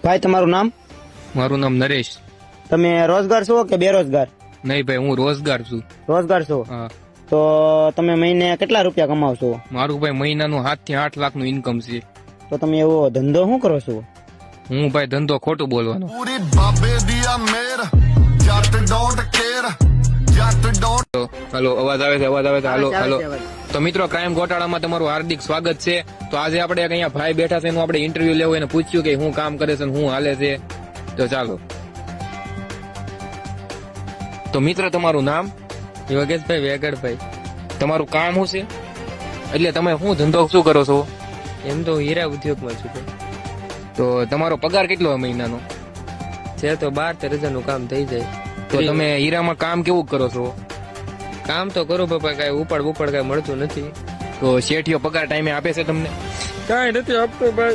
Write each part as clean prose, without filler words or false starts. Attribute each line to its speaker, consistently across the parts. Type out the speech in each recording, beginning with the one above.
Speaker 1: ભાઈ તમારું નામ?
Speaker 2: મારું નામ નરેશ.
Speaker 1: તમે રોજગાર છો કે બેરોજગાર?
Speaker 2: નહીં ભાઈ, હું રોજગાર છું.
Speaker 1: રોજગાર છો.
Speaker 2: હા.
Speaker 1: તો તમે મહિને કેટલા રૂપિયા કમાવશો?
Speaker 2: મારું ભાઈ મહિનાનું 7 થી 8 લાખનું ઇન્કમ છે.
Speaker 1: તો તમે એવો ધંધો શું કરો છો?
Speaker 2: હું ભાઈ ધંધો ખોટું બોલવાનો. હાલો, અવાજ આવે છે, અવાજ આવે છે. હાલો હાલો. તો મિત્રો, ક્રાઇમ ગોટાળામાં તમારું હાર્દિક સ્વાગત છે. તો આજે આપણે અહીંયા ભાઈ બેઠા છે, એનું આપણે ઇન્ટરવ્યુ લેવું, એને પૂછ્યું કે શું કામ કરે છે ને શું હાલે છે. તો ચાલો. તો મિત્ર, તમારું નામ?
Speaker 3: યોગેશભાઈ વેગડભાઈ.
Speaker 2: તમારું કામ શું છે? એટલે તમે શું ધંધો શું કરો છો?
Speaker 3: એમ તો હું હીરા ઉદ્યોગમાં છું ભાઈ.
Speaker 2: તો તમારો પગાર કેટલો મહિનાનો
Speaker 3: છે? તો 12-13 નું કામ થઈ જાય.
Speaker 2: તો તમે હીરામાં કામ કેવું કરો છો?
Speaker 3: કામ તો કરું બાપા, કઈ ઉપાડ બુપાડ કઈ મળતું નથી.
Speaker 2: તો શેઠિયો પગાર ટાઈમે આપે છે તમને?
Speaker 3: કઈ નથી આપતો ભાઈ.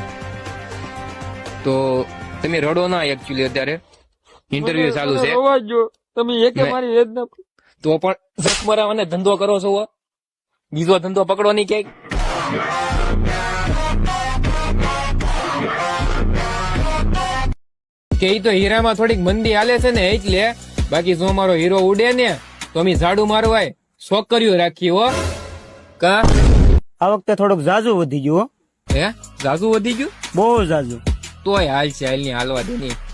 Speaker 2: તો તમે રડો ના, એકચ્યુઅલી અત્યારે ઇન્ટરવ્યુ ચાલુ છે.
Speaker 3: તમે એકે મારી વેદના.
Speaker 2: તો પણ જખમરા અને ધંધો કરો છો, બીજો ધંધો પકડો નહીં ક્યાંક. કે ઈ તો હીરામાં થોડીક મંદી હાલે છે ને એટલે. બાકી જો મારો હીરો ઉડે ને તો અમે ઝાડુ મારવાય છોકરીઓ રાખી હો. કા
Speaker 1: આ વખતે થોડુંક ઝાઝુ વધી ગયું હો.
Speaker 2: હે? ઝાઝુ વધી ગયું?
Speaker 1: બહુ ઝાઝુ.
Speaker 2: તોય હાલ છે, હાલ ની હાલવા દે નહીં.